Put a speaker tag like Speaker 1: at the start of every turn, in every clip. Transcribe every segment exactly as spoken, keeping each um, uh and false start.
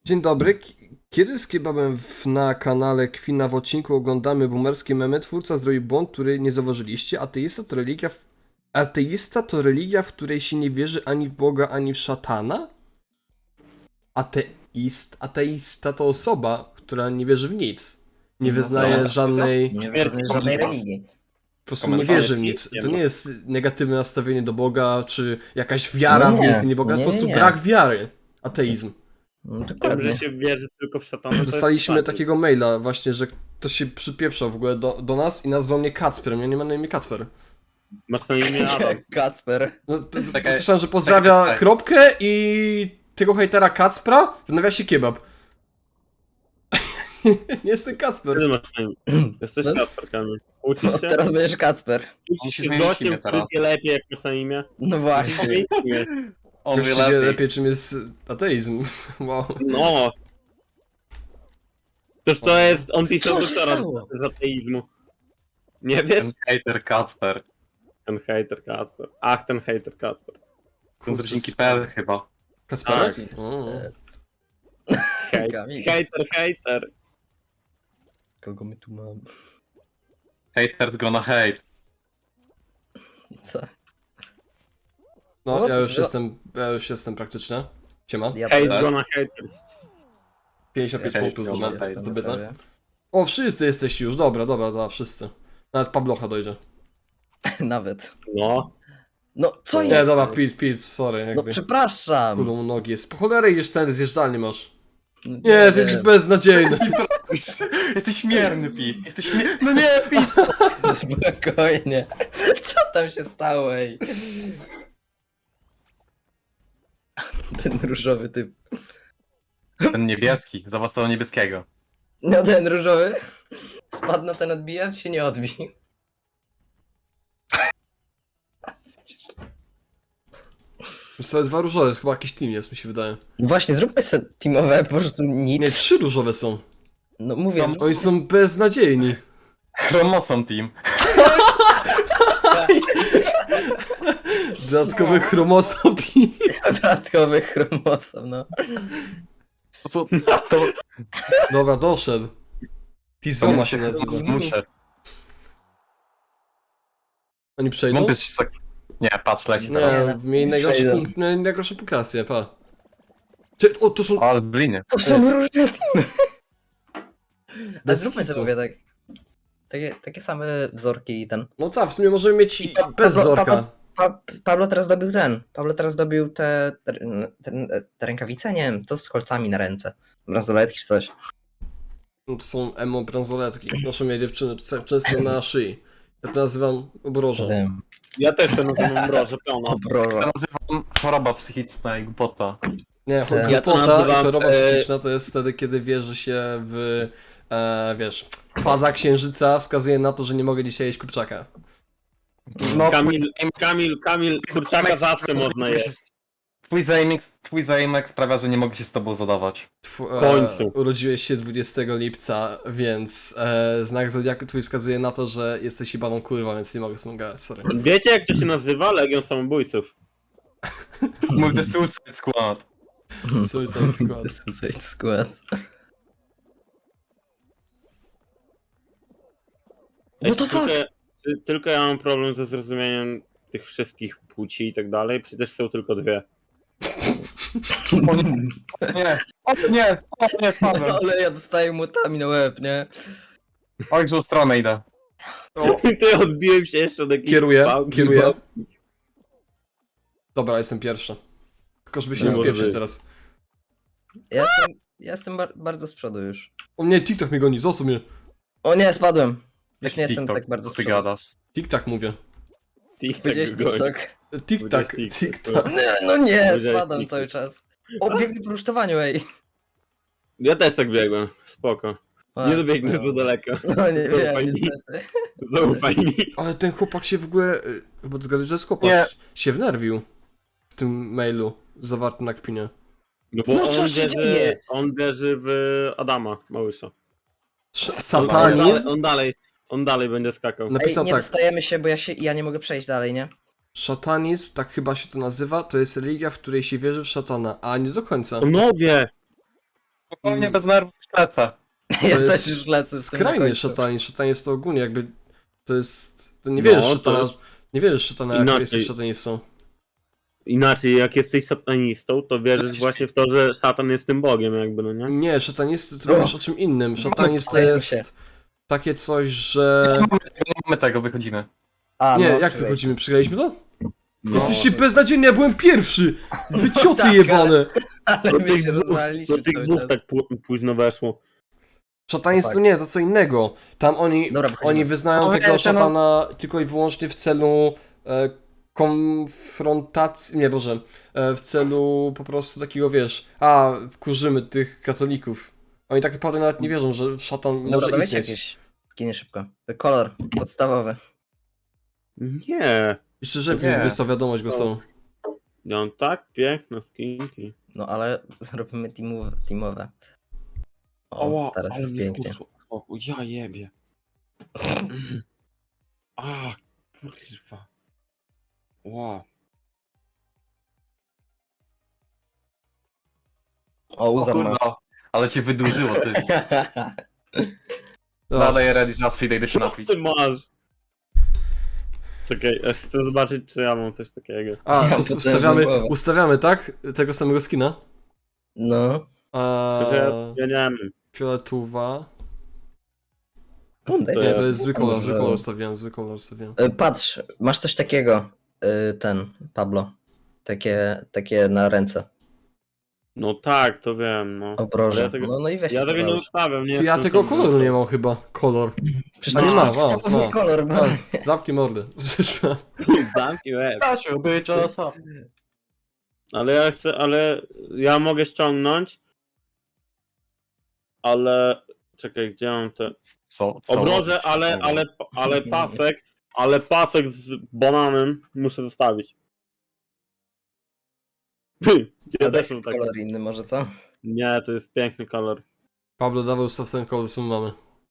Speaker 1: Dzień dobry. K- Kiedy z kebabem w, na kanale Kwina w odcinku oglądamy boomerskie memy, twórca zrobił błąd, który nie zauważyliście. Ateista to religia, w... Ateista to religia, w której się nie wierzy ani w Boga, ani w szatana? Ateist... Ateista to osoba, która nie wierzy w nic. Nie
Speaker 2: No
Speaker 1: wyznaje
Speaker 2: tak.
Speaker 1: żadnej...
Speaker 2: Nie
Speaker 3: Śmierć
Speaker 2: żadnej, żadnej
Speaker 3: komuś.
Speaker 2: religii.
Speaker 1: Po prostu nie
Speaker 3: Komentarze
Speaker 1: wierzy w
Speaker 3: nie
Speaker 1: nic.
Speaker 3: ma.
Speaker 1: To nie jest negatywne nastawienie do Boga, czy jakaś wiara
Speaker 2: No
Speaker 1: w
Speaker 2: nie.
Speaker 1: istnienie Boga. To jest po
Speaker 2: Nie,
Speaker 1: prostu
Speaker 2: nie.
Speaker 1: brak wiary. Ateizm.
Speaker 2: No,
Speaker 3: Tym,
Speaker 2: dokładnie.
Speaker 3: że się wierzy tylko w szatana, to
Speaker 1: Dostaliśmy
Speaker 3: jest
Speaker 1: takiego maila właśnie, że ktoś się przypieprzał w ogóle do, do nas i nazwał mnie Kacperem. Ja nie mam na imię Kacper.
Speaker 3: Masz na imię Adam.
Speaker 2: Kacper.
Speaker 1: No, to, to,
Speaker 4: Taka-
Speaker 1: słyszałem, że pozdrawia
Speaker 4: taka-
Speaker 1: kropkę i tego hejtera Kacpra w nawiasie kebab. Nie jestem Kacper.
Speaker 3: Ty masz na imię. Jesteś
Speaker 2: No.
Speaker 3: Kacper, Kamil. Uczysz
Speaker 2: No,
Speaker 3: się?
Speaker 2: teraz będziesz Kacper.
Speaker 3: Uczysz
Speaker 4: Musisz
Speaker 3: się z
Speaker 4: zmienić
Speaker 3: gościem,
Speaker 4: imię
Speaker 3: który
Speaker 4: teraz.
Speaker 3: wie lepiej, jak masz na imię?
Speaker 2: No właśnie.
Speaker 3: Zmień imię.
Speaker 4: On
Speaker 1: Już
Speaker 4: wie
Speaker 1: się wie
Speaker 4: lepiej.
Speaker 1: lepiej, czym jest ateizm. Wow.
Speaker 3: No. Toż to jest, on pisał
Speaker 2: Co się
Speaker 3: doktora
Speaker 2: stało?
Speaker 3: z ateizmu. Nie wiesz?
Speaker 4: Ten hater Kacper.
Speaker 3: Ten hater Kacper. Ach, ten hater Kacper.
Speaker 4: Ten z rodzinki P L chyba.
Speaker 1: Kacperek?
Speaker 3: Tak.
Speaker 1: O.
Speaker 3: Hej,
Speaker 2: Kamil.
Speaker 3: hater, hater.
Speaker 2: Kogo my tu mamy?
Speaker 4: Haters gonna hate.
Speaker 2: Co?
Speaker 1: No,
Speaker 2: No,
Speaker 1: ja
Speaker 2: to-
Speaker 1: już
Speaker 2: no.
Speaker 1: jestem, ja już jestem praktycznie. Siema.
Speaker 2: Ja
Speaker 3: Hate
Speaker 2: też.
Speaker 3: gonna haters.
Speaker 1: pięćdziesiąt pięć
Speaker 4: Ja też
Speaker 1: punktów
Speaker 4: jestem
Speaker 1: zdobyte.
Speaker 4: ateistą,
Speaker 1: zdobyte.
Speaker 2: prawie.
Speaker 1: O, wszyscy jesteście już. Dobra, dobra, dobra, wszyscy. Nawet Pablocha dojdzie.
Speaker 2: Nawet.
Speaker 3: No.
Speaker 2: No, co
Speaker 1: Nie,
Speaker 2: jest?
Speaker 1: dobra, Pete, Pete, sorry.
Speaker 2: No
Speaker 1: Jakby.
Speaker 2: przepraszam.
Speaker 1: Kulą nogi jest. Po cholerę idziesz ten, zjeżdżalnie masz.
Speaker 2: No,
Speaker 1: Nie, to jest beznadziejny.
Speaker 4: Jesteś śmierny, Pete. Jesteś śmierny. No nie, Pete.
Speaker 2: Spokojnie. Co tam się stało, ej? Ten różowy typ.
Speaker 4: Ten niebieski. Zobacz tego niebieskiego.
Speaker 2: No ten różowy. Spadł na ten odbijacz, się nie odbił.
Speaker 1: Są dwa różowe, to chyba jakiś team jest, mi się wydaje.
Speaker 2: No właśnie, zróbmy sobie teamowe, po prostu nic.
Speaker 1: Nie, trzy różowe są.
Speaker 2: No mówię,
Speaker 4: No,
Speaker 1: Oni są beznadziejni.
Speaker 4: Chromosom team.
Speaker 1: Dodatkowy chromosom team.
Speaker 2: dodatkowy chromosom, no.
Speaker 4: To co? To,
Speaker 1: Dobra, doszedł.
Speaker 4: to
Speaker 1: Tizoma
Speaker 4: ma
Speaker 1: się
Speaker 4: się
Speaker 1: nazywa.
Speaker 4: zmuszę.
Speaker 1: Oni przejdą?
Speaker 4: Mógłbyś się tak... Nie, patrz, leci
Speaker 1: Nie,
Speaker 4: teraz.
Speaker 1: mieli najgorsze,
Speaker 2: przejdą.
Speaker 1: mieli najgorsze pukacje, pa. Ty, o, to są...
Speaker 4: O, ale bliny.
Speaker 2: To są różne teamy. A
Speaker 1: Bez
Speaker 2: zróbmy
Speaker 1: kitu.
Speaker 2: sobie tak. Takie, takie same wzorki i ten.
Speaker 1: No tak, w sumie możemy mieć i
Speaker 2: Pa-
Speaker 1: bez
Speaker 2: Pablo-
Speaker 1: zorka.
Speaker 2: Pablo- Pa, Pablo teraz dobił ten. Pablo teraz dobił te, te, te, te rękawice, nie wiem, to z kolcami na ręce. Bransoletki czy coś.
Speaker 1: No, to są emo bransoletki. Noszą je dziewczyny c- często na szyi. Ja to nazywam obrożą.
Speaker 2: Wiem.
Speaker 3: Ja też to nazywam mroże pełno.
Speaker 2: Obroża.
Speaker 4: Ja nazywam choroba psychiczna i głupota.
Speaker 1: Nie,
Speaker 2: Tak.
Speaker 1: głupota
Speaker 3: Ja to
Speaker 1: i
Speaker 3: nazywam,
Speaker 1: choroba
Speaker 3: e,
Speaker 1: psychiczna to jest wtedy, kiedy wierzy się w, e, wiesz, faza księżyca wskazuje na to, że nie mogę dzisiaj jeść kurczaka.
Speaker 4: No,
Speaker 3: Kamil, Kamil, Kamil, kurczaka zawsze można jeść.
Speaker 4: Twój zaimek, twój zaimek sprawia, że nie mogę się z tobą zadawać.
Speaker 1: Tw-
Speaker 3: W końcu.
Speaker 1: E, urodziłeś się dwudziestego lipca, więc e, znak zodiaku twój wskazuje na to, że jesteś jebaną kurwa, więc nie mogę sobie gadać, sorry.
Speaker 3: Wiecie jak to się nazywa? Legion Samobójców.
Speaker 4: Mów The Suicide Squad.
Speaker 1: Suicide Squad.
Speaker 2: Suicide Squad. No to
Speaker 3: tylko,
Speaker 2: fuck.
Speaker 3: ty- tylko ja mam problem ze zrozumieniem tych wszystkich płci i tak dalej, przecież są tylko dwie.
Speaker 4: O nie, nie, o nie, o nie, spadłem.
Speaker 2: Ale ja dostaję mutami na łeb, nie?
Speaker 4: Oj, że stronę idę.
Speaker 1: O,
Speaker 3: Ty odbiłem się jeszcze od jakiejś
Speaker 1: kieruję,
Speaker 3: pałki,
Speaker 1: kieruję.
Speaker 3: bo-
Speaker 1: Dobra, jestem pierwszy. Tylko żeby się
Speaker 3: Nie
Speaker 1: nie
Speaker 3: może
Speaker 1: spieprzyć
Speaker 3: być.
Speaker 1: teraz.
Speaker 2: Ja jestem, ja jestem bar bardzo z przodu już.
Speaker 1: O nie, TikTok mnie goni, zostaw mnie.
Speaker 2: O nie, spadłem. Już
Speaker 4: Jaki
Speaker 2: nie jestem
Speaker 4: TikTok?
Speaker 2: tak bardzo z
Speaker 4: Co ty
Speaker 2: przodu.
Speaker 4: gadasz?
Speaker 1: TikTok mówię.
Speaker 3: TikTok
Speaker 2: Powiedziałeś
Speaker 3: goni.
Speaker 2: TikTok?
Speaker 1: TikTok,
Speaker 3: TikTok,
Speaker 1: TikTok.
Speaker 2: Nie, no nie,
Speaker 3: Powiedziałeś
Speaker 2: spadam
Speaker 3: TikTok.
Speaker 2: cały czas. O, biegnę po rusztowaniu, ej.
Speaker 3: Ja też tak biegłem, spoko.
Speaker 2: A,
Speaker 3: Nie
Speaker 2: co
Speaker 3: dobiegnę
Speaker 2: miało?
Speaker 3: za daleko.
Speaker 2: No nie
Speaker 3: Zaufaj
Speaker 2: wiem,
Speaker 3: mi.
Speaker 2: niestety.
Speaker 3: Zaufaj mi.
Speaker 1: Ale ten chłopak się w ogóle, y, bo zgadzasz, że jest chłopak,
Speaker 4: Nie.
Speaker 1: się wnerwił w tym mailu zawartym na kpinie.
Speaker 3: No bo
Speaker 2: No co
Speaker 3: on,
Speaker 2: się
Speaker 3: wierzy,
Speaker 2: dzieje?
Speaker 3: on wierzy w Adama Małysza.
Speaker 1: Sz-
Speaker 3: On, on,
Speaker 1: Satanizm
Speaker 3: dalej, on, dalej, on dalej będzie skakał.
Speaker 2: Ej,
Speaker 1: napisał
Speaker 2: nie
Speaker 1: tak.
Speaker 2: dostajemy się, bo ja się, ja nie mogę przejść dalej, nie?
Speaker 1: Szatanizm, tak chyba się to nazywa, to jest religia, w której się wierzy w szatana, a nie do końca.
Speaker 3: Panowie!
Speaker 4: Spokojnie, bez nerwów lecę.
Speaker 2: Ja
Speaker 1: To
Speaker 2: też już lecę z tym na
Speaker 1: skrajny
Speaker 2: końcu.
Speaker 1: szatanizm. Szatanizm to ogólnie jakby, to jest, to nie
Speaker 3: No,
Speaker 1: wierzysz
Speaker 3: to
Speaker 1: szatana,
Speaker 3: jest-
Speaker 1: nie wierzysz szatana, jak
Speaker 3: Inaczej.
Speaker 1: jesteś szatanistą.
Speaker 3: Inaczej, jak jesteś satanistą, to wierzysz
Speaker 4: Przecież-
Speaker 3: właśnie w to, że szatan jest tym Bogiem jakby, no nie?
Speaker 1: Nie, szatanizm to
Speaker 2: O!
Speaker 1: mówisz o czym innym. Szatanizm to
Speaker 2: Kolejny się.
Speaker 1: jest takie coś, że...
Speaker 4: Nie mamy tego, wychodzimy.
Speaker 2: A,
Speaker 1: Nie,
Speaker 2: no,
Speaker 1: jak
Speaker 2: czekaj.
Speaker 1: wychodzimy? Przegraliśmy to?
Speaker 3: No.
Speaker 1: Jesteście beznadziejni, ja byłem pierwszy! Wycioty
Speaker 2: tak,
Speaker 1: jebane!
Speaker 2: Ale
Speaker 3: Do
Speaker 2: my
Speaker 3: tych
Speaker 2: się
Speaker 3: dwóch,
Speaker 2: rozwaliliśmy
Speaker 3: do tych
Speaker 2: cały
Speaker 3: dwóch
Speaker 2: czas.
Speaker 3: tak pó- późno weszło.
Speaker 1: Szatanizm
Speaker 2: Tak.
Speaker 1: to nie, to co innego. Tam oni,
Speaker 2: Dobra, wychodzimy.
Speaker 1: oni wyznają
Speaker 4: No,
Speaker 1: tego
Speaker 4: wiecie, no-
Speaker 1: szatana tylko i wyłącznie w celu e, konfrontacji, nie Boże, e, w celu po prostu takiego, wiesz, a, wkurzymy tych katolików. Oni tak naprawdę nawet nie wierzą, że szatan
Speaker 2: Dobra,
Speaker 1: może
Speaker 2: dawajcie
Speaker 1: istnieć.
Speaker 2: jakieś skiny szybko. Kolor podstawowy.
Speaker 3: Nie.
Speaker 1: Jeszcze żeby
Speaker 4: Nie.
Speaker 1: wysłał wiadomość go są.
Speaker 3: Ja mam tak piękne skinki.
Speaker 2: No ale robimy teamowe. teamowe. O, teraz jest pięknie.
Speaker 3: O, ja jebie. A, kurwa. Wow.
Speaker 2: O,
Speaker 4: O
Speaker 2: uzar ma.
Speaker 4: kurwa, ale cię wydłużyło, ty.
Speaker 1: Dobra.
Speaker 4: Dalej ready, just feed, idę się
Speaker 3: Co
Speaker 4: napić.
Speaker 3: ty masz? Czekaj, ja chcę zobaczyć, czy ja mam coś takiego.
Speaker 1: A,
Speaker 2: Ja
Speaker 1: to
Speaker 2: potężną
Speaker 1: ustawiamy,
Speaker 2: głowę.
Speaker 1: ustawiamy, tak? Tego samego skina.
Speaker 2: No.
Speaker 1: A,
Speaker 3: Tylko, że ja, ja nie wiem.
Speaker 1: fioletowa.
Speaker 2: Kurde,
Speaker 3: To
Speaker 1: Nie,
Speaker 3: jest-
Speaker 1: to jest zły kolor, zły
Speaker 2: Może-
Speaker 1: kolor ustawiałem, zły kolor ustawiałem.
Speaker 2: Y, Patrz, masz coś takiego. y, Ten, Pablo. Takie, takie na ręce.
Speaker 3: No tak, to wiem, no.
Speaker 2: Obroże.
Speaker 3: Ale ja tego-
Speaker 2: No, no i weź
Speaker 3: Ja
Speaker 2: to
Speaker 3: tego nie
Speaker 2: załóż.
Speaker 3: ustawiam, nie
Speaker 1: Ty, ja
Speaker 3: jestem
Speaker 1: tego
Speaker 3: sam
Speaker 1: koloru
Speaker 3: wybrany.
Speaker 1: nie mam chyba. Kolor.
Speaker 2: Przecież
Speaker 1: A
Speaker 2: to
Speaker 1: nie
Speaker 2: jest
Speaker 1: ma, ma,
Speaker 2: podstawowy
Speaker 1: ma.
Speaker 2: kolor, ma.
Speaker 1: A, zamknij mordę.
Speaker 3: Zamknij łeb.
Speaker 4: Kasiu, byczasa.
Speaker 3: Ale ja chcę, ale ja mogę ściągnąć. Ale czekaj, gdzie mam te.
Speaker 4: Co? co?
Speaker 3: Obroże, ale, ale, ale pasek, ale pasek z bananem muszę zostawić. Ty,
Speaker 2: Ja
Speaker 3: ja też mam taki.
Speaker 2: kolor inny może, co?
Speaker 3: Nie, to jest piękny kolor.
Speaker 1: Pablo, dawaj ustaw ten kolor, co my mamy.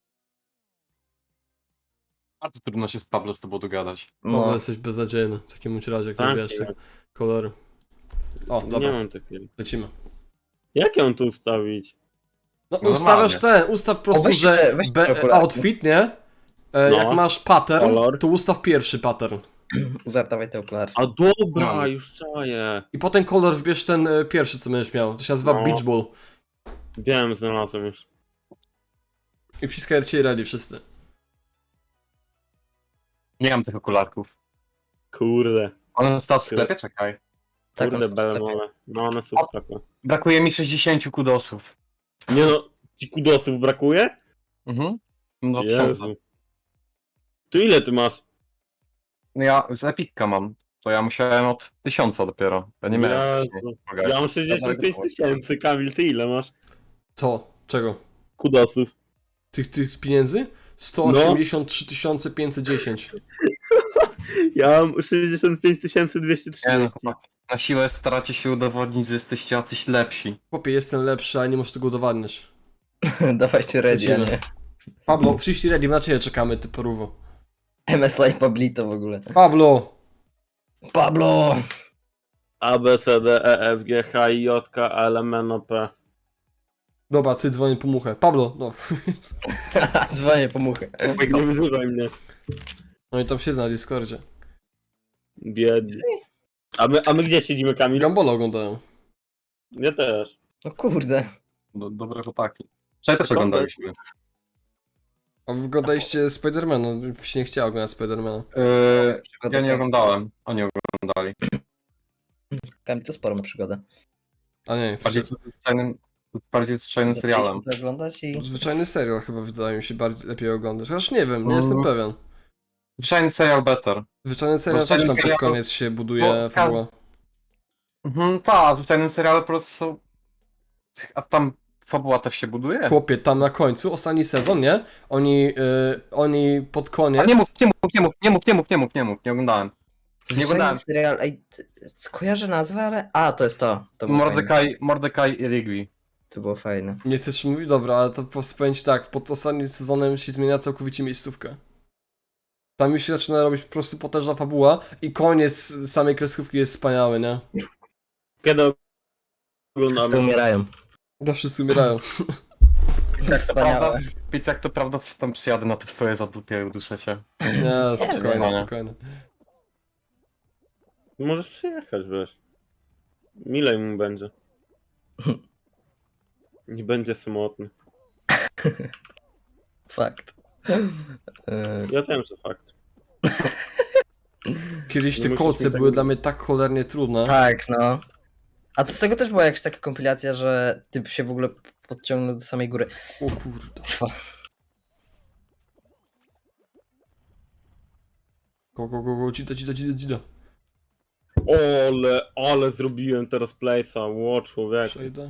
Speaker 4: Bardzo trudno się z Pablo z tobą dogadać.
Speaker 1: Pablo,
Speaker 2: No.
Speaker 1: jesteś beznadziejny. W takim bądź razie, jak
Speaker 3: Tak,
Speaker 1: nie wiesz te kolory. O,
Speaker 3: Nie
Speaker 1: dobra,
Speaker 3: mam takiego.
Speaker 1: lecimy.
Speaker 3: Jak ją tu ustawić?
Speaker 1: No,
Speaker 4: No
Speaker 1: ustawiasz ten, ustaw po
Speaker 2: O,
Speaker 1: prostu,
Speaker 2: weź
Speaker 1: że
Speaker 2: te- weź te
Speaker 1: be,
Speaker 2: okularki.
Speaker 1: outfit, nie? E,
Speaker 3: No.
Speaker 1: Jak masz pattern,
Speaker 3: Kolor.
Speaker 1: to ustaw pierwszy pattern.
Speaker 2: Uzar, dawaj te okulary.
Speaker 3: A dobra,
Speaker 4: No.
Speaker 3: już czaję.
Speaker 1: I potem kolor wbierz ten e, pierwszy, co będziesz miał. To się nazywa
Speaker 3: No.
Speaker 1: Beach Ball.
Speaker 3: Wiem, znalazłem już.
Speaker 1: I wciskaj cię radzi wszyscy.
Speaker 4: Nie mam tych okularków.
Speaker 3: Kurde.
Speaker 4: One zostały w sklepie? Czekaj.
Speaker 2: Tak,
Speaker 3: Kurde,
Speaker 2: on tu w sklepie.
Speaker 3: belemole. No one są w sklepie.
Speaker 4: Brakuje mi sześćdziesięciu kudosów.
Speaker 3: Nie no, ci kudosów brakuje?
Speaker 4: Mhm. No tysiące.
Speaker 3: Jezu. Tu ile ty masz?
Speaker 4: No ja z Epicka mam. To ja musiałem od tysiąca dopiero. Ja nie miałem
Speaker 3: Jezu.
Speaker 4: wcześniej.
Speaker 3: Ja mam sześćdziesiąt pięć tysięcy, Kamil, ty ile masz?
Speaker 1: Co? Czego?
Speaker 3: Kudosów.
Speaker 1: Tych, tych pieniędzy? sto osiemdziesiąt trzy tysiące pięćset dziesięć.
Speaker 3: Ja mam sześćdziesiąt pięć tysięcy dwieście
Speaker 4: Nie no,
Speaker 3: trzydzieści.
Speaker 4: chłopaki. Na siłę staracie się udowodnić, że jesteście jacyś lepsi.
Speaker 1: Chłopie, jestem lepszy, ale nie możesz tego udowadniać.
Speaker 2: Dawajcie ready, a
Speaker 1: Lecimy.
Speaker 2: nie.
Speaker 1: Pablo, przyszli ready, na ciebie czekamy, ty porówo.
Speaker 2: M S I Pablito w ogóle.
Speaker 1: Pablo!
Speaker 2: Pablo!
Speaker 3: A, B, C, D, E, F, G, H, I, J, K, L, M, N, O, P.
Speaker 1: Dobra, ty dzwonię po muchę. Pablo, no.
Speaker 2: Dzwonię po muchę.
Speaker 3: Nie wyzywaj mnie.
Speaker 1: No i tam się na Discordzie.
Speaker 3: Biedny. A my, a my gdzie siedzimy, Kamil?
Speaker 1: Gambola oglądają.
Speaker 3: Ja też.
Speaker 2: No kurde.
Speaker 4: Do, dobre chłopaki. Wczoraj też oglądaliśmy.
Speaker 1: A wy oglądaliście Spidermana? Mi się nie chciało oglądać Spidermana.
Speaker 4: Yy, ja nie oglądałem. Oni oglądali.
Speaker 2: Kamil, to sporo ma przygodę.
Speaker 1: A nie,
Speaker 4: Bardziej
Speaker 1: to
Speaker 4: zwyczajnym, bardziej zwyczajnym serialem.
Speaker 2: Zaczęliśmy to oglądać i...
Speaker 1: zwyczajny serial chyba wydaje mi się bardziej lepiej oglądać. Chociaż nie wiem, nie
Speaker 4: Mm.
Speaker 1: jestem pewien.
Speaker 4: Zwyczajny serial better.
Speaker 1: Zwyczajny serial też
Speaker 4: Zwyczajny
Speaker 1: tam pod
Speaker 4: serial-
Speaker 1: koniec się buduje
Speaker 4: Bo
Speaker 1: fabuła.
Speaker 4: Mhm, tak, w zwyczajnym serialu po prostu są... A tam fabuła też się buduje?
Speaker 1: Chłopie, tam na końcu, ostatni sezon, nie? Oni, yy, oni pod koniec...
Speaker 4: A nie mów, nie mów, nie mów, nie mów, nie mów, nie mów, nie mów, nie oglądałem. Nie
Speaker 2: Zwyczajny
Speaker 4: oglądałem.
Speaker 2: serial, ej, ty- skojarzę nazwę, ale... A, to jest to. To było fajne.
Speaker 4: Mordecai, Mordecai i Rigby.
Speaker 2: To było fajne.
Speaker 1: Nie chcesz mówić? Dobra, ale to po prostu powiem ci tak, pod ostatnim sezonem się zmienia całkowicie miejscówka. Tam już się zaczyna robić po prostu potężna fabuła i koniec samej kreskówki jest wspaniały, nie?
Speaker 3: Kiedy
Speaker 2: Wszyscy
Speaker 3: oglądamy?
Speaker 2: umierają.
Speaker 1: To wszyscy umierają.
Speaker 2: Tak wspaniałe.
Speaker 4: Pić jak to prawda, czy tam przyjadę na te twoje zadupie i uduszę cię.
Speaker 1: Nie, spokojnie,
Speaker 4: nie.
Speaker 1: spokojnie.
Speaker 3: Możesz przyjechać, wiesz. Milej mu będzie. Nie będzie samotny.
Speaker 2: Fakt. E,
Speaker 3: Ja wiem, że fakt.
Speaker 1: Kiedyś
Speaker 3: Nie
Speaker 1: te
Speaker 3: musisz
Speaker 1: kolce
Speaker 3: mi tego
Speaker 1: były
Speaker 3: mówić.
Speaker 1: dla mnie tak cholernie trudne.
Speaker 2: tak, no. A to z tego też była jakaś taka kompilacja, że typ się w ogóle podciągnął do samej góry.
Speaker 1: O kurde.
Speaker 2: Fa-
Speaker 1: Go, go, go, go, dzida, dzida, dzida, dzida.
Speaker 3: Ale, ale zrobiłem teraz place'a, ło człowiek.
Speaker 1: Przejdę.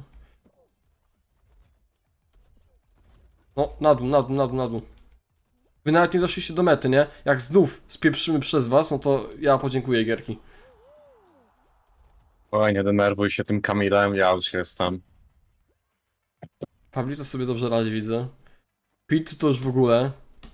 Speaker 1: No, na dół, na dół, na dół, na dół. Wy nawet nie doszliście do mety, nie? Jak znów spieprzymy przez was, no to ja podziękuję gierki.
Speaker 4: Oj, nie denerwuj się tym Kamilem, ja już jestem.
Speaker 1: Pablito sobie dobrze radzi, widzę. Pit to już w ogóle.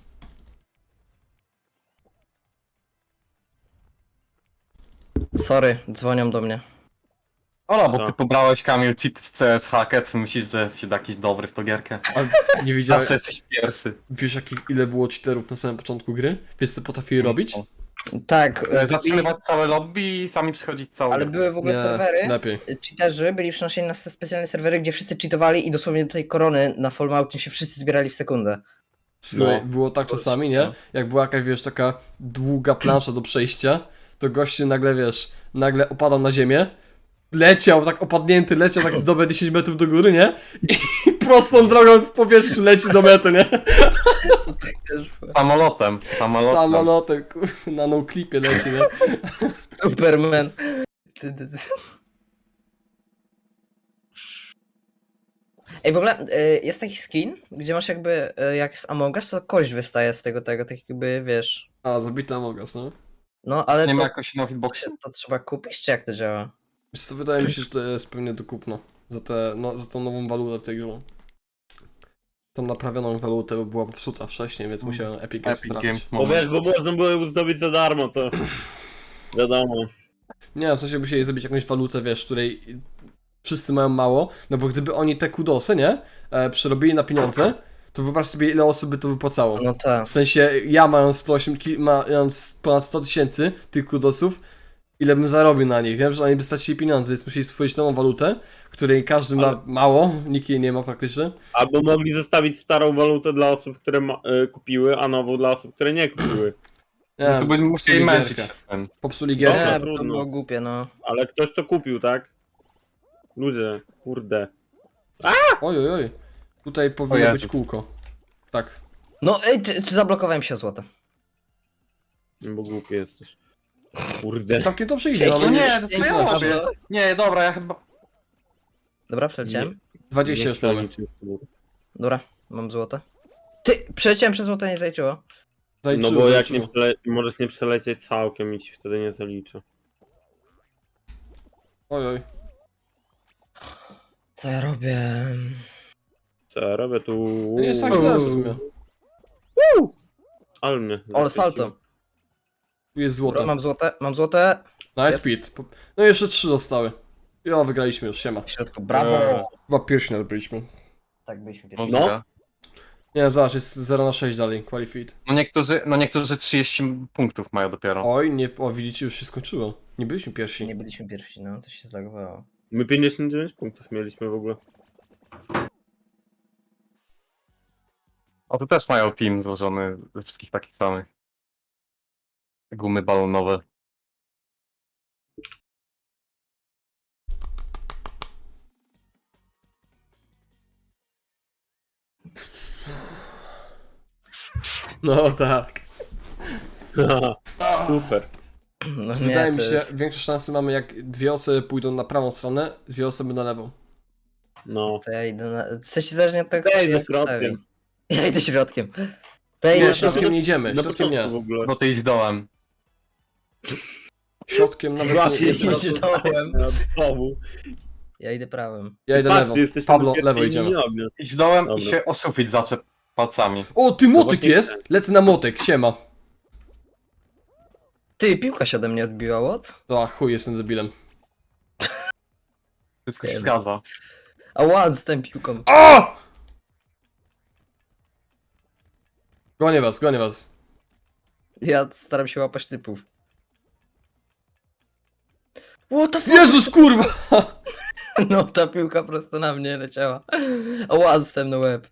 Speaker 2: Sorry, dzwonią do mnie.
Speaker 4: O no, bo
Speaker 3: Co?
Speaker 4: ty pobrałeś Kamil cheat z C S Hacket, myślisz, że jesteś jakiś dobry w tą gierkę.
Speaker 1: A nie widziałeś,
Speaker 4: Zawsze jesteś pierwszy.
Speaker 1: wiesz jaki, ile było cheaterów na samym początku gry? Wiesz co potrafili robić?
Speaker 2: Tak,
Speaker 4: E,
Speaker 2: e,
Speaker 4: Zatrzymywać całe lobby i sami przechodzić całą
Speaker 2: ale
Speaker 4: grę.
Speaker 2: były w ogóle serwery,
Speaker 1: lepiej.
Speaker 2: cheaterzy byli przenoszeni na te specjalne serwery, gdzie wszyscy cheatowali i dosłownie do tej korony na Falloutie się wszyscy zbierali w sekundę.
Speaker 1: Słuchaj,
Speaker 4: No.
Speaker 1: było tak czasami, nie? Jak była jakaś, wiesz, taka długa plansza do przejścia, to gościu nagle, wiesz, nagle opadał na ziemię, leciał, tak opadnięty, leciał tak z dobre dziesięć metrów do góry, nie? I prostą drogą w powietrzu leci do mety, nie?
Speaker 4: Samolotem, samolotem.
Speaker 1: Samolotem, kur- na no-clipie leci, nie?
Speaker 2: Superman. Ty, ty, ty. Ej, w ogóle y, jest taki skin, gdzie masz jakby, y, jak z Among Us, to kość wystaje z tego, tego, tak jakby, wiesz.
Speaker 1: A, zabity Among Us, no.
Speaker 2: No, ale
Speaker 4: Nie ma
Speaker 2: to,
Speaker 4: jakoś no hitboxu?
Speaker 2: to, to trzeba kupić, czy jak to działa?
Speaker 1: Wiesz co, wydaje mi się, że to jest pewnie do kupna. Za, te, no, za tą nową walutę tej grze. Tą naprawioną walutę była popsuta wcześniej, więc musiałem Epic Games
Speaker 4: Epic
Speaker 1: stracić.
Speaker 4: Games
Speaker 3: Bo
Speaker 4: moment.
Speaker 3: wiesz, bo można było ją zdobyć za darmo, to wiadomo.
Speaker 1: Nie, w sensie musieli zrobić jakąś walutę, wiesz, której wszyscy mają mało, no bo gdyby oni te kudosy, nie, e, przerobili na pieniądze, to wyobraź sobie, ile osób by to wypłacało.
Speaker 2: No tak.
Speaker 1: W sensie, ja mając sto osiem, ki- mając ponad sto tysięcy tych kudosów, ile bym zarobił na nich, wiem, że oni by stracili pieniądze, więc musieli stworzyć nową walutę, której każdy ma
Speaker 3: Ale-
Speaker 1: mało, nikt jej nie ma praktycznie.
Speaker 3: Albo mogli zostawić starą walutę dla osób, które ma, y, kupiły, a nową dla osób, które nie kupiły.
Speaker 1: Nie,
Speaker 4: No to by musieli
Speaker 1: popsuli
Speaker 4: męczyć
Speaker 1: gierkę.
Speaker 4: się z tym.
Speaker 1: Popsuli
Speaker 3: Dobra,
Speaker 1: gierkę.
Speaker 2: Nie, bo to
Speaker 3: trudno.
Speaker 2: było głupie, no.
Speaker 3: Ale ktoś to kupił, tak? Ludzie, kurde.
Speaker 1: Oj, oj, oj. Tutaj powinno
Speaker 4: Jezus.
Speaker 1: być kółko. Tak.
Speaker 2: No, ej, czy, czy zablokowałem się o złoto?
Speaker 3: No bo głupi jesteś. Kurde.
Speaker 1: Całkiem to przyjdzie,
Speaker 2: Pięknie.
Speaker 1: mamy
Speaker 4: No
Speaker 1: już
Speaker 4: nie, to co ja
Speaker 1: piętnaście.
Speaker 4: robię? Nie, dobra, ja chyba...
Speaker 2: Dobra, przeleciałem.
Speaker 1: dwadzieścia już mamy.
Speaker 2: Dobra, mam złoto. Ty, przeleciałem przez złoto, nie zaliczyło.
Speaker 3: No
Speaker 1: Zaliczyło,
Speaker 3: bo jak nie
Speaker 1: zaliczyło.
Speaker 3: przele... możesz nie przelecieć całkiem i ci wtedy nie zaliczę.
Speaker 1: Oj, oj.
Speaker 2: Co ja robię?
Speaker 3: Co ja robię tu?
Speaker 1: To nie jest tak źle w sumie.
Speaker 3: Ale mnie.
Speaker 2: O, salto.
Speaker 1: Tu jest
Speaker 2: Dobra,
Speaker 1: złoto.
Speaker 2: mam złote, mam złote.
Speaker 1: Nice
Speaker 2: jest.
Speaker 1: speed. Po- No jeszcze trzy zostały. Jo, wygraliśmy już, siema.
Speaker 2: W środku, brawo.
Speaker 1: Chyba pierwszy nawet byliśmy.
Speaker 2: Tak byliśmy pierwsi.
Speaker 3: No.
Speaker 4: Możliwe.
Speaker 1: Nie, zobacz, jest zero na sześć dalej, qualified.
Speaker 4: No niektórzy, no niektórzy trzydzieści punktów mają dopiero.
Speaker 1: Oj, nie, o widzicie, już się skończyło. Nie byliśmy pierwsi.
Speaker 2: Nie byliśmy pierwsi, no, to się zlagowało.
Speaker 3: My pięćdziesiąt dziewięć punktów mieliśmy w ogóle.
Speaker 4: O, tu też mają team złożony ze wszystkich takich samych. Gumy balonowe.
Speaker 1: No tak.
Speaker 3: Super.
Speaker 2: No, nie,
Speaker 1: Wydaje mi
Speaker 2: to
Speaker 1: się,
Speaker 2: jest-
Speaker 1: większe szanse mamy, jak dwie osoby pójdą na prawą stronę, dwie osoby na lewą.
Speaker 3: No.
Speaker 2: To ja idę na... W sensie zależnie od tego,
Speaker 3: Ja
Speaker 2: co
Speaker 3: idę
Speaker 2: się
Speaker 3: środkiem.
Speaker 2: postawi. Ja idę środkiem. To ja
Speaker 1: Nie,
Speaker 2: idę
Speaker 3: to-
Speaker 1: środkiem nie idziemy,
Speaker 3: Na
Speaker 1: środkiem
Speaker 3: początku w
Speaker 1: nie.
Speaker 3: ogóle.
Speaker 4: No ty idź dołem.
Speaker 1: Środkiem nawet nie,
Speaker 3: Łatwiej
Speaker 1: nie
Speaker 2: się
Speaker 1: środkiem.
Speaker 2: dołem.
Speaker 3: Znowu.
Speaker 2: Ja idę prawym.
Speaker 1: Ja idę
Speaker 3: Patrz,
Speaker 1: lewą.
Speaker 3: ty jesteś
Speaker 1: Pablo,
Speaker 3: tam
Speaker 1: lewo
Speaker 3: pierwszy
Speaker 1: idziemy.
Speaker 3: i nie ognia.
Speaker 4: Idź dołem
Speaker 3: Dobra.
Speaker 4: i się o sufit zaczep palcami.
Speaker 1: O, ty motyk
Speaker 3: właśnie
Speaker 1: jest! Lecę na motyk, siema.
Speaker 2: Ty, piłka się ode mnie odbiła, what?
Speaker 1: O, chuj, jestem debilem.
Speaker 4: Wszystko się
Speaker 2: Wiem.
Speaker 4: zgadza.
Speaker 2: Ała, z tą piłką.
Speaker 1: O! Gonię was, gonię was.
Speaker 2: Ja staram się łapać typów. What the fuck?
Speaker 1: Jezus, kurwa!
Speaker 2: No ta piłka prosto na mnie leciała. Ała, dostałem na łeb.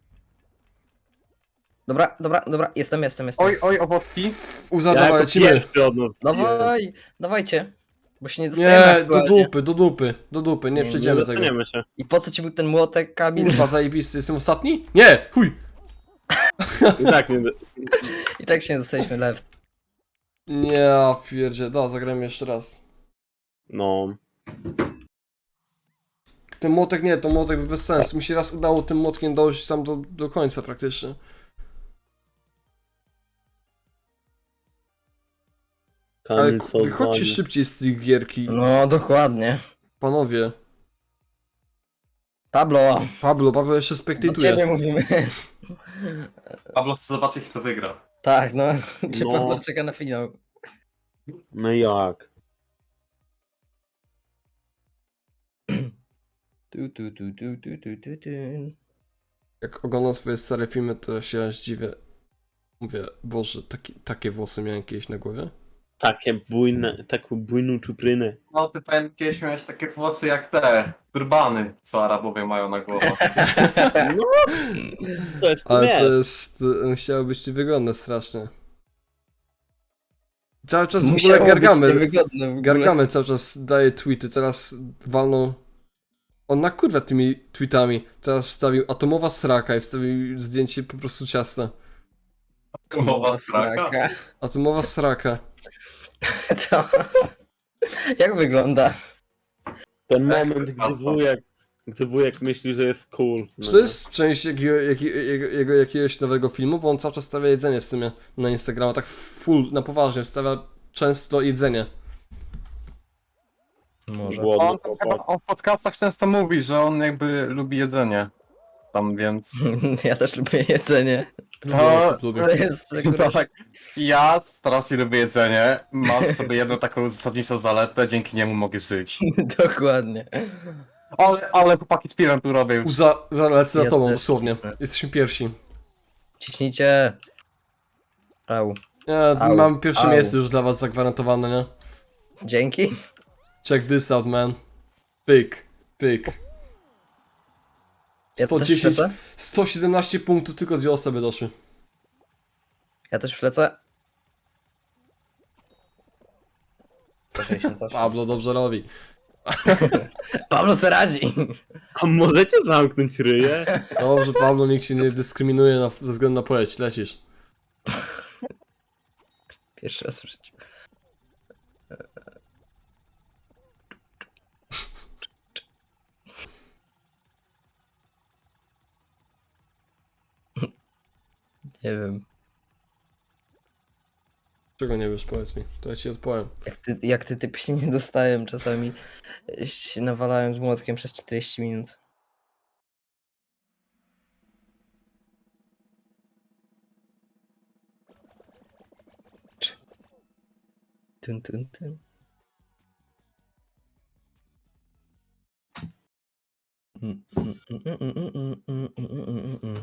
Speaker 2: Dobra, dobra, dobra, jestem, jestem, jestem.
Speaker 4: Oj, oj, owocki.
Speaker 1: Uza,
Speaker 3: Ja
Speaker 1: dawaj,
Speaker 3: jako
Speaker 1: lecimy.
Speaker 3: pierwszy od nas.
Speaker 2: Dawaj, dawajcie. Bo się nie dostajemy
Speaker 1: Nie, do
Speaker 2: aktualnie.
Speaker 1: dupy, do dupy, do dupy, nie
Speaker 2: Nie, nie
Speaker 1: przejdziemy tego.
Speaker 3: Dostaniemy się.
Speaker 2: I po co ci był ten młotek, Kamil?
Speaker 1: Kurwa, zajebisty, jestem ostatni? Nie, chuj!
Speaker 3: I tak nie...
Speaker 2: I tak się nie dostaliśmy left.
Speaker 1: Nie, ja pierdzie, da, zagramy jeszcze raz.
Speaker 3: No.
Speaker 1: Ten młotek nie, to młotek by bez sensu. Mi się raz udało tym młotkiem dojść tam do, do końca praktycznie. Ale
Speaker 3: Kamil
Speaker 1: ku- wychodźcie
Speaker 3: Soldani.
Speaker 1: szybciej z tych gierki,
Speaker 2: No, dokładnie.
Speaker 1: panowie.
Speaker 2: Pablo,
Speaker 1: Pablo, Pablo jeszcze
Speaker 2: do
Speaker 1: spektatuje.
Speaker 2: ciebie mówimy.
Speaker 4: Pablo chce zobaczyć, kto wygra.
Speaker 2: Tak, no. Czy
Speaker 3: No.
Speaker 2: Pablo czeka na finał?
Speaker 3: No jak?
Speaker 2: Tu, tu, tu, tu, tu, tu, tu, tu.
Speaker 1: Jak oglądam swoje stare filmy, to się zdziwię. Mówię, Boże, taki, takie włosy miałem kiedyś na głowie.
Speaker 3: Takie bujne, taką bujną czuprynę.
Speaker 4: No, ty pamiętam, kiedyś miałeś takie włosy jak te turbany, co Arabowie mają na głowach.
Speaker 3: No, to jest
Speaker 1: Ale to
Speaker 3: jest.
Speaker 1: jest, to musiało być niewygodne strasznie. Cały czas w ogóle
Speaker 2: Musiało być
Speaker 1: Gargamel,
Speaker 2: niewygodne w ogóle.
Speaker 1: Gargamel cały czas daje tweety, teraz walną... On na kurwa tymi tweetami, teraz wstawił atomowa sraka i wstawił zdjęcie po prostu ciasta.
Speaker 4: Mowa straka.
Speaker 1: Atomowa sraka.
Speaker 2: To... Jak wygląda?
Speaker 3: Ten
Speaker 4: Tak, to
Speaker 3: moment,
Speaker 4: jest
Speaker 3: gdy
Speaker 4: mocno.
Speaker 3: wujek, gdy wujek myśli, że jest cool. No.
Speaker 1: Czy to jest część jakiego, jakiego, jego, jego jakiegoś nowego filmu? Bo on cały czas stawia jedzenie w sumie na Instagrama, tak full, na poważnie, wstawia często jedzenie.
Speaker 2: Może.
Speaker 3: Głodny
Speaker 4: On,
Speaker 3: chłopak.
Speaker 4: chyba, on w podcastach często mówi, że on jakby lubi jedzenie. Tam więc...
Speaker 2: Ja też lubię jedzenie.
Speaker 1: Dużo osób lubi.
Speaker 2: To jest akurat...
Speaker 4: Tak. Ja strasznie lubię jedzenie. Mam w sobie jedną taką zasadniczą zaletę, dzięki niemu mogę żyć.
Speaker 2: Dokładnie.
Speaker 4: Ale, ale chłopaki z pirem tu robią.
Speaker 1: Uza, lecę
Speaker 2: Ja
Speaker 1: za tobą,
Speaker 2: też
Speaker 1: dosłownie.
Speaker 2: cisnę.
Speaker 1: Jesteśmy pierwsi.
Speaker 2: Ciśnijcie. Au.
Speaker 1: Ja
Speaker 2: Au,
Speaker 1: mam pierwsze
Speaker 2: au.
Speaker 1: miejsce już dla was zagwarantowane, nie?
Speaker 2: Dzięki.
Speaker 1: Check this out, man. Pyk, pyk.
Speaker 2: Ja
Speaker 1: sto
Speaker 2: też
Speaker 1: dziesięć,
Speaker 2: wlecę.
Speaker 1: sto siedemnaście punktów, tylko dwie osoby doszły.
Speaker 2: Ja też wlecę. sto sześćdziesiąt osiem.
Speaker 1: Pablo dobrze robi.
Speaker 2: Pablo se radzi.
Speaker 3: A możecie zamknąć ryję?
Speaker 1: Dobrze, Pablo, nikt się nie dyskryminuje na, ze względu na płeć, lecisz.
Speaker 2: Pierwszy raz w życiu. Nie wiem.
Speaker 1: Czego nie wiesz, powiedz mi, to ja ci odpowiem.
Speaker 2: Jak ty, jak ty typy się nie dostałem, czasami się nawalałem z młotkiem przez czterdzieści minut. Tun, tun, tun. Mm, mm, mm, mm, mm, mm, mm, mm, mm, mm.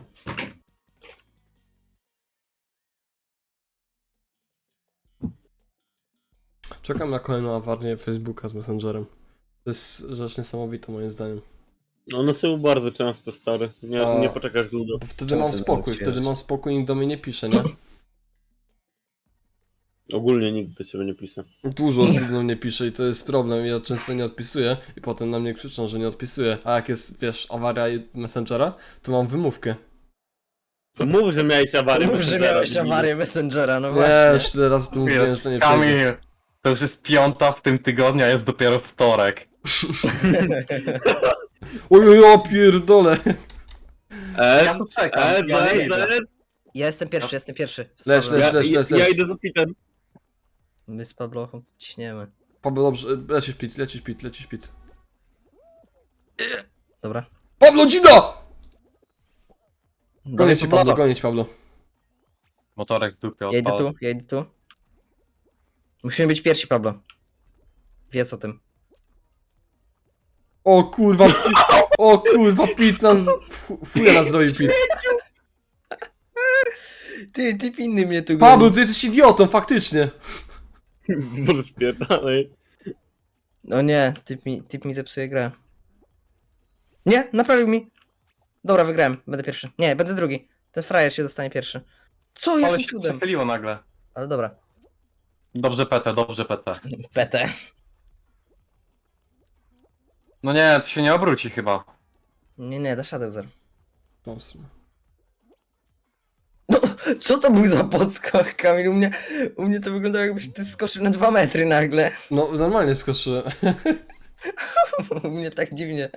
Speaker 1: Czekam na kolejną awarię Facebooka z Messengerem. To jest rzecz niesamowita moim zdaniem.
Speaker 3: One są bardzo często stare. Nie,
Speaker 1: A-
Speaker 3: nie poczekasz długo.
Speaker 1: Bo wtedy
Speaker 2: Czemu
Speaker 1: mam
Speaker 2: ty
Speaker 1: spokój,
Speaker 2: nawet
Speaker 1: wtedy
Speaker 2: wiesz?
Speaker 1: mam spokój i nikt do mnie nie pisze, nie?
Speaker 3: Ogólnie nikt do ciebie nie pisze.
Speaker 1: Dużo osób do mnie pisze i to jest problem, ja często nie odpisuję i potem na mnie krzyczą, że nie odpisuję. A jak jest, wiesz, awaria Messengera, to mam wymówkę.
Speaker 3: To mów, że miałeś awarię.
Speaker 2: Mów, że
Speaker 3: Messengera,
Speaker 2: miałeś
Speaker 3: debilu.
Speaker 2: awarię Messengera, no
Speaker 1: Nie,
Speaker 2: właśnie.
Speaker 1: już tyle razy tu mówiłem, że to nie przejdzie.
Speaker 4: Kamil, to już jest piąta w tym tygodniu, a jest dopiero wtorek.
Speaker 1: Oj, ja pierdolę!
Speaker 3: S,
Speaker 4: Ja tu czekam,
Speaker 3: S,
Speaker 4: ja nie
Speaker 3: S,
Speaker 4: idę.
Speaker 3: S.
Speaker 2: Ja jestem pierwszy, jestem pierwszy. Z
Speaker 1: Leć,
Speaker 2: Pablem.
Speaker 1: leć,
Speaker 3: Ja,
Speaker 1: leć, leć,
Speaker 3: ja
Speaker 1: leć.
Speaker 3: idę za pitem.
Speaker 2: My z Pablochą ciśniemy.
Speaker 1: Pablo, dobrze, lecisz pit, lecisz pit, lecisz pit.
Speaker 2: Dobra.
Speaker 1: Pablo, dzida!
Speaker 2: Dawaj,
Speaker 1: Gonię cię, Pablo, gonię cię, Pablo.
Speaker 4: Motorek w dupie
Speaker 2: Ja idę
Speaker 4: odpalę.
Speaker 2: tu, ja idę tu. Musimy być pierwsi, Pablo. Wiedz o tym.
Speaker 1: O kurwa, o kurwa, Pit nam, chuja nas zrobił Pit.
Speaker 2: Ty, typ inny mnie tu
Speaker 1: Pablo,
Speaker 2: goni.
Speaker 1: ty jesteś idiotą, faktycznie.
Speaker 3: Może spierdalej.
Speaker 2: No nie, typ mi, typ mi zepsuje grę. Nie, naprawił mi. Dobra, wygrałem, będę pierwszy. Nie, będę drugi. Ten frajer się dostanie pierwszy. Co,
Speaker 4: Ale
Speaker 2: jakim
Speaker 4: się
Speaker 2: cudem?
Speaker 4: przechyliło nagle.
Speaker 2: Ale dobra.
Speaker 4: Dobrze P T, dobrze P T.
Speaker 2: P T.
Speaker 4: No nie, to się nie obróci chyba.
Speaker 2: Nie, nie, dasz radę, Uzer.
Speaker 1: No, w sumie.
Speaker 2: No, co to był za podskok, Kamil? U mnie, u mnie to wyglądało, jakbyś ty skoczył na dwa metry nagle.
Speaker 1: No, normalnie skoczyłem.
Speaker 2: U mnie tak dziwnie.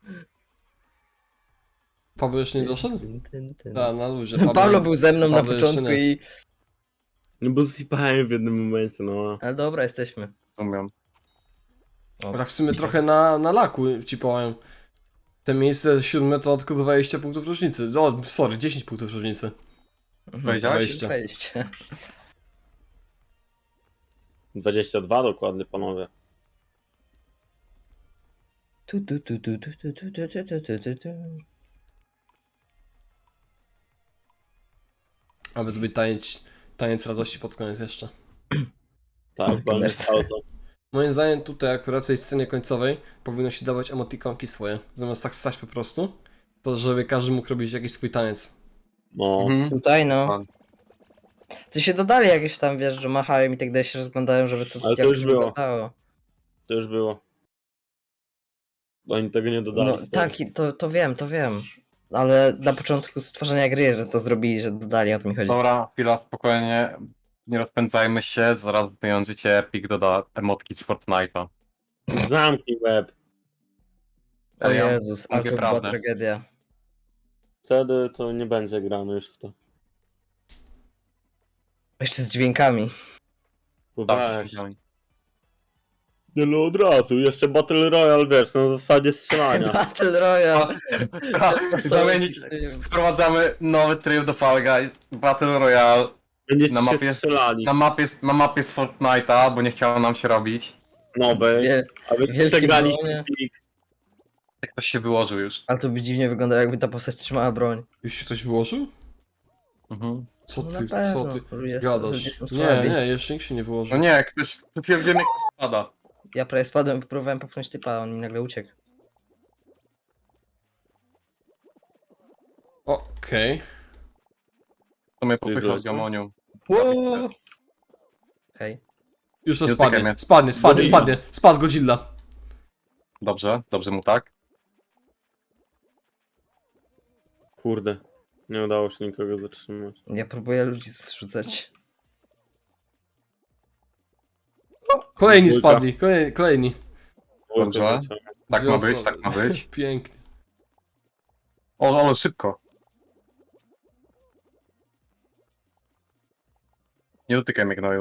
Speaker 1: Pablo jeszcze nie doszedł?
Speaker 2: Tyn, tyn, tyn.
Speaker 1: Da, na luzie.
Speaker 2: Pablo był ze mną na
Speaker 1: Pablo jeszcze
Speaker 2: początku
Speaker 1: nie.
Speaker 2: i...
Speaker 3: No bo zsypałem w jednym momencie, no.
Speaker 2: Ale dobra, jesteśmy.
Speaker 4: Rozumiem.
Speaker 2: O,
Speaker 1: Tak w sumie trochę na, na laku ci powiem. Te miejsce siódme to tylko dwadzieścia punktów różnicy. O, sorry, dziesięć punktów różnicy.
Speaker 2: mhm,
Speaker 4: Powiedziałeś?
Speaker 1: Wejście.
Speaker 2: Wejście.
Speaker 3: dwadzieścia dwa dokładnie, panowie.
Speaker 2: Tu, tu, tu, tu, tu, tu, tu, tu, tu, tu, tu, tu.
Speaker 1: Aby zrobić taniec, taniec radości pod koniec jeszcze.
Speaker 3: Tak, bo on jest
Speaker 2: Mercy.
Speaker 3: auto.
Speaker 1: Moim zdaniem tutaj akurat w tej scenie końcowej powinno się dawać emotikonki swoje. Zamiast tak stać po prostu, to żeby każdy mógł robić jakiś swój taniec.
Speaker 3: No.
Speaker 4: Mhm.
Speaker 2: Tutaj no.
Speaker 4: Pan.
Speaker 2: Ty się dodali jakieś tam, wiesz, że machają i tak dalej się rozglądają, żeby to
Speaker 3: Ale to
Speaker 2: jakoś
Speaker 3: już było.
Speaker 2: wyglądało.
Speaker 3: To już było. Bo oni tego nie dodali.
Speaker 2: No
Speaker 3: stary.
Speaker 2: tak, i to, to wiem, to wiem. Ale na początku stworzenia gry, że to zrobili, że dodali, o to mi chodzi.
Speaker 4: Dobra, chwila, spokojnie. Nie rozpędzajmy się, zaraz wyjążycie Epic doda emotki z Fortnite'a.
Speaker 3: Zamknij web.
Speaker 2: O
Speaker 4: Ale ja
Speaker 2: Jezus, ale
Speaker 4: mówię
Speaker 2: to była
Speaker 4: prawdę.
Speaker 2: tragedia.
Speaker 3: Wtedy to nie będzie grane już w to.
Speaker 2: Jeszcze z dźwiękami.
Speaker 3: Bo
Speaker 4: Dobrze,
Speaker 3: weź.
Speaker 4: widziałem.
Speaker 3: Nie no od razu, jeszcze Battle Royale, wiesz, na zasadzie strzelania.
Speaker 2: Battle Royale.
Speaker 4: Zamienić, wprowadzamy nowy tryb do Fall Guys, Battle Royale.
Speaker 3: Będziecie
Speaker 4: Na
Speaker 3: się
Speaker 4: mapie-
Speaker 3: strzelali.
Speaker 4: Na mapie, na mapie z Fortnite'a, bo nie chciało nam się robić.
Speaker 3: Nowe.
Speaker 2: Wie,
Speaker 3: A wy
Speaker 2: wielkie
Speaker 3: przegraliście
Speaker 2: bronie.
Speaker 3: plik.
Speaker 4: Jak ktoś się wyłożył już.
Speaker 2: ale to by dziwnie wyglądało, jakby ta postać trzymała broń.
Speaker 1: Już się coś wyłożył?
Speaker 4: Mhm.
Speaker 1: Co
Speaker 2: No
Speaker 1: ty,
Speaker 2: na pewno,
Speaker 1: co ty
Speaker 2: ludzie są-
Speaker 1: gadasz?
Speaker 2: ludzie są
Speaker 1: Nie,
Speaker 2: słabi.
Speaker 1: nie, jeszcze nikt się nie wyłożył.
Speaker 4: No nie, ktoś, wiem jak to spada.
Speaker 2: Ja prawie spadłem, próbowałem popchnąć typa, a on mi nagle uciekł.
Speaker 1: Okej.
Speaker 4: To mnie
Speaker 3: Ty
Speaker 4: popychasz
Speaker 3: zrobił?
Speaker 4: gamonią.
Speaker 2: Wow. Hej.
Speaker 1: Już to
Speaker 4: Nie dotykaj
Speaker 1: spadnie.
Speaker 4: mnie.
Speaker 1: Spadnie, spadnie,
Speaker 3: Godzilla.
Speaker 1: spadnie. Spadł Godzilla.
Speaker 4: Dobrze, dobrze mu tak.
Speaker 3: Kurde. Nie udało się nikogo zatrzymać.
Speaker 2: Ja próbuję ludzi zrzucać.
Speaker 1: Kolejni
Speaker 3: Dwójka.
Speaker 1: spadli, kolejni. kolejni.
Speaker 4: Dobrze.
Speaker 3: Dwójkę
Speaker 4: Tak
Speaker 1: Dwie
Speaker 4: ma być,
Speaker 1: osoby.
Speaker 4: tak ma być.
Speaker 1: Pięknie.
Speaker 4: O, ale szybko. Nie dotykaj mnie gnoju.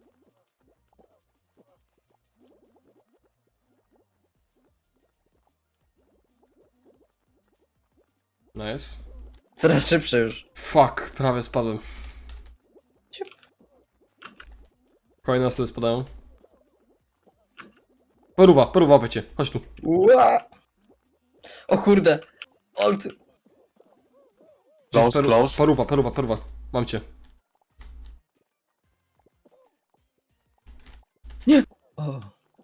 Speaker 1: Nice.
Speaker 2: Coraz szybsze już.
Speaker 1: Fuck, prawie spadłem.
Speaker 2: Ciup.
Speaker 1: Kolejne osoby spadają. Paruwa, paruwa, łapecie. Chodź tu.
Speaker 2: Ua! O kurde. O, ty...
Speaker 1: Gdzie jest
Speaker 4: Close, close.
Speaker 1: Paruwa, paruwa, paruwa. Mam cię.
Speaker 2: o.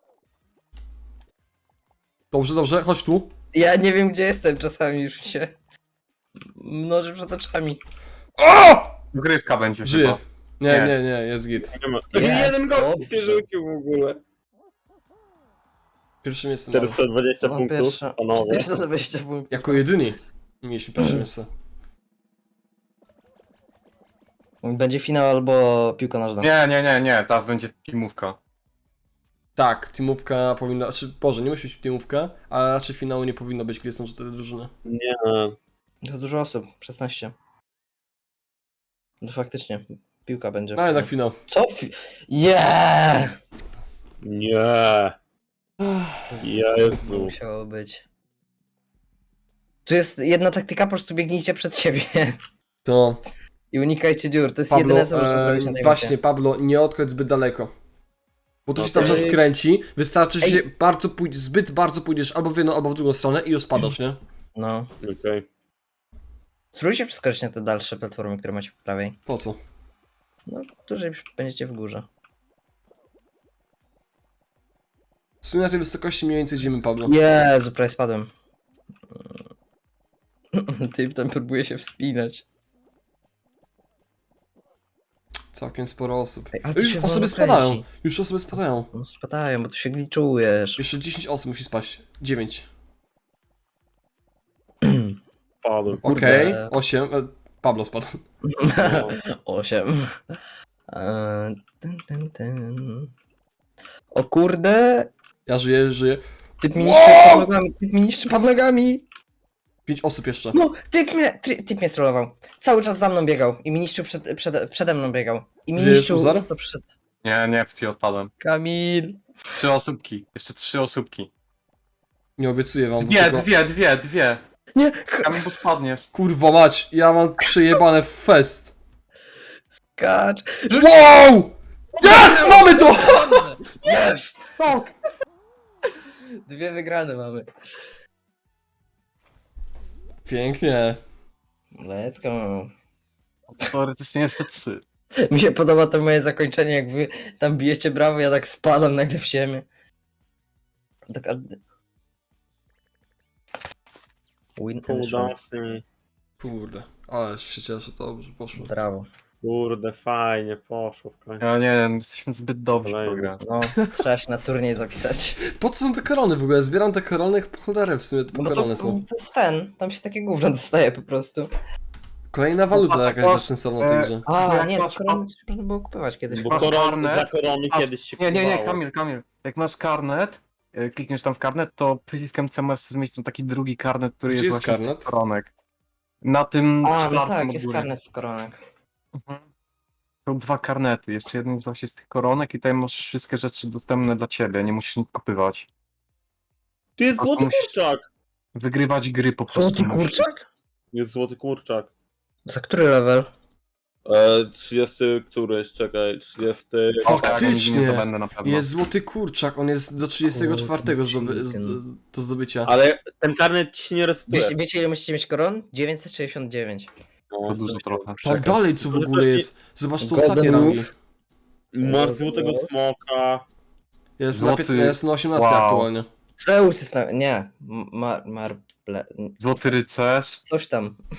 Speaker 1: Dobrze, dobrze, chodź tu.
Speaker 2: Ja nie wiem gdzie jestem, czasami już się mnoży przed oczami.
Speaker 1: O!
Speaker 4: Grywka będzie
Speaker 1: Żyje.
Speaker 4: chyba.
Speaker 1: Nie,
Speaker 4: Nie.
Speaker 1: nie, nie, jest git.
Speaker 3: Nie ma.
Speaker 2: Jest,
Speaker 3: Jeden gość
Speaker 2: dobrze.
Speaker 3: się rzucił w ogóle.
Speaker 1: Pierwsze miejsce mamy.
Speaker 3: czterysta dwadzieścia
Speaker 2: Mam
Speaker 3: punktów,
Speaker 2: pierwsze.
Speaker 3: panowie.
Speaker 2: czterysta dwadzieścia punktów.
Speaker 1: Jako jedyni mieliśmy pierwsze miejsce.
Speaker 2: Będzie finał albo piłka nożna.
Speaker 4: Nie, nie, nie, nie, teraz będzie teamówka.
Speaker 1: Tak, teamówka powinna, znaczy, Boże, nie musi być teamówka, ale raczej finału nie powinno być, gdy są cztery drużyny.
Speaker 3: Nie.
Speaker 2: To dużo osób, szesnaście. No faktycznie, piłka będzie.
Speaker 1: No jednak finał.
Speaker 2: Co? Fi- yeah!
Speaker 3: Nie. Jezu.
Speaker 2: Musiało być. Tu jest jedna taktyka, po prostu biegnijcie przed siebie
Speaker 1: To
Speaker 2: i unikajcie dziur. To jest
Speaker 1: Pablo,
Speaker 2: jedyne co można
Speaker 1: e,
Speaker 2: zrobić na tej
Speaker 1: właśnie
Speaker 2: mapie.
Speaker 1: Pablo, nie odchodź zbyt daleko. Bo to się
Speaker 3: Okej.
Speaker 1: tam skręci, wystarczy, że
Speaker 2: Ej.
Speaker 1: się bardzo pój- zbyt bardzo pójdziesz albo w jedną, albo w drugą stronę i już spadasz, nie?
Speaker 2: No.
Speaker 3: Okej.
Speaker 2: Spróbujcie przeskoczyć na te dalsze platformy, które macie po prawej.
Speaker 1: Po co?
Speaker 2: No, dłużej będziecie w górze.
Speaker 1: W sumie na tej wysokości mniej więcej idziemy, Pablo.
Speaker 2: Jezu, prawie spadłem. Typ tam próbuje się wspinać.
Speaker 1: Całkiem sporo osób.
Speaker 2: Ej, ale to
Speaker 1: Już
Speaker 2: się
Speaker 1: osoby
Speaker 2: wolno
Speaker 1: spadają,
Speaker 2: kręci.
Speaker 1: już osoby spadają.
Speaker 2: No spadają, bo tu się gliczujesz.
Speaker 1: Jeszcze dziesięć osób musi spaść. dziewięć.
Speaker 3: Padłem.
Speaker 1: Okej,
Speaker 2: Kurde.
Speaker 1: osiem. E, Pablo spadł.
Speaker 3: No.
Speaker 2: Osiem. Eee, ten, ten, ten. O kurde!
Speaker 1: Ja żyję, żyję.
Speaker 2: Typ mi
Speaker 1: Wow!
Speaker 2: niszczy pod nogami, typ mi niszczy pod nogami!
Speaker 1: Pięć osób jeszcze.
Speaker 2: No, typ mnie, ty, typ mnie strollował. Cały czas za mną biegał i mi niszczył przed, przed, przede mną biegał. I mi
Speaker 1: Żyjesz,
Speaker 2: niszczył
Speaker 1: Uzar?
Speaker 2: to przed...
Speaker 4: Nie, nie, w ty odpadłem.
Speaker 2: Kamil!
Speaker 4: Trzy osóbki. Jeszcze trzy osóbki.
Speaker 1: Nie obiecuję wam. bo
Speaker 4: Dwie,
Speaker 1: tylko...
Speaker 4: dwie, dwie, dwie.
Speaker 2: Nie!
Speaker 4: Kamil, bo spadniesz.
Speaker 1: Kurwa mać, ja mam przejebane w fest.
Speaker 2: Kacz!
Speaker 1: Wow! Jest! Mamy to!
Speaker 2: Jest! Tak! Dwie wygrane mamy.
Speaker 1: Pięknie.
Speaker 2: Let's go.
Speaker 4: Teoretycznie jeszcze trzy.
Speaker 2: Mi się podoba to moje zakończenie, jak wy tam bijecie brawo, ja tak spadam nagle w ziemię. Tak, a... Win and show.
Speaker 3: Kudasy.
Speaker 1: Kurde, ale się cieszę, dobrze poszło.
Speaker 2: Brawo.
Speaker 3: Kurde, fajnie, poszło w końcu.
Speaker 4: Ja nie wiem, jesteśmy zbyt dobrzy w tą
Speaker 3: Kolejny.
Speaker 4: grę.
Speaker 2: No, trzeba się na turniej zapisać.
Speaker 1: Po co są te korony w ogóle? Zbieram te korony, po cholerę w sumie, to
Speaker 2: No bo to,
Speaker 1: korony są.
Speaker 2: to jest ten, tam się takie gówno dostaje po prostu.
Speaker 1: Kolejna waluta
Speaker 4: patrz,
Speaker 1: jakaś
Speaker 4: patrz,
Speaker 1: bezsensowna w tej
Speaker 4: e,
Speaker 1: grze.
Speaker 2: A,
Speaker 4: Jak
Speaker 2: nie, za
Speaker 4: masz-
Speaker 2: korony coś można było kupować kiedyś.
Speaker 3: Bo
Speaker 4: Masz
Speaker 3: koron,
Speaker 4: karnet?
Speaker 3: za korony
Speaker 4: Masz-
Speaker 3: kiedyś się
Speaker 4: Nie, nie, nie,
Speaker 3: kupowało.
Speaker 4: Kamil, Kamil. Jak masz karnet, e, klikniesz tam w karnet, to przyciskiem C możesz zmienić tam taki drugi karnet, który
Speaker 1: Gdzie
Speaker 4: jest
Speaker 1: jest
Speaker 4: właśnie z
Speaker 1: karnet?
Speaker 4: tych koronek. Na tym
Speaker 2: A, no
Speaker 4: czwartym
Speaker 2: tak,
Speaker 4: od
Speaker 2: jest
Speaker 4: góry.
Speaker 2: karnet z koronek.
Speaker 4: Mhm. Są dwa karnety. Jeszcze jeden jest właśnie z tych koronek i tutaj masz wszystkie rzeczy dostępne dla ciebie. Nie musisz nic kupywać.
Speaker 3: Tu jest
Speaker 4: Po
Speaker 3: złoty
Speaker 4: prostu musisz-
Speaker 3: kurczak!
Speaker 4: Wygrywać gry po prostu.
Speaker 2: Złoty
Speaker 4: musisz.
Speaker 2: kurczak?
Speaker 3: Jest złoty kurczak.
Speaker 2: Za który level?
Speaker 3: E, trzydziesty któryś, czekaj, trzydziesty...
Speaker 4: O, tak,
Speaker 1: Faktycznie.
Speaker 4: nie zdobędę na pewno.
Speaker 1: Jest złoty kurczak, on jest do trzydziestego czwartego zdoby z,
Speaker 2: Chicken.
Speaker 1: do zdobycia.
Speaker 3: Ale ten karnet ci się nie resetuje.
Speaker 2: Wiecie, wiecie ile musicie mieć koron? dziewięćset sześćdziesiąt dziewięć.
Speaker 3: No,
Speaker 4: To dużo trochę.
Speaker 1: Tam
Speaker 2: czekaj.
Speaker 1: dalej co w ogóle jest? Zobacz tu ostatnie
Speaker 2: Golden
Speaker 1: rangi.
Speaker 2: Wolf.
Speaker 3: Masz złotego smoka.
Speaker 1: Jest na,
Speaker 4: Złoty-
Speaker 1: piętnaście, jest na osiemnaście
Speaker 4: Wow.
Speaker 1: aktualnie.
Speaker 2: Zeus jest na... nie. Mar... Marble...
Speaker 4: Złoty rycerz.
Speaker 2: Coś tam.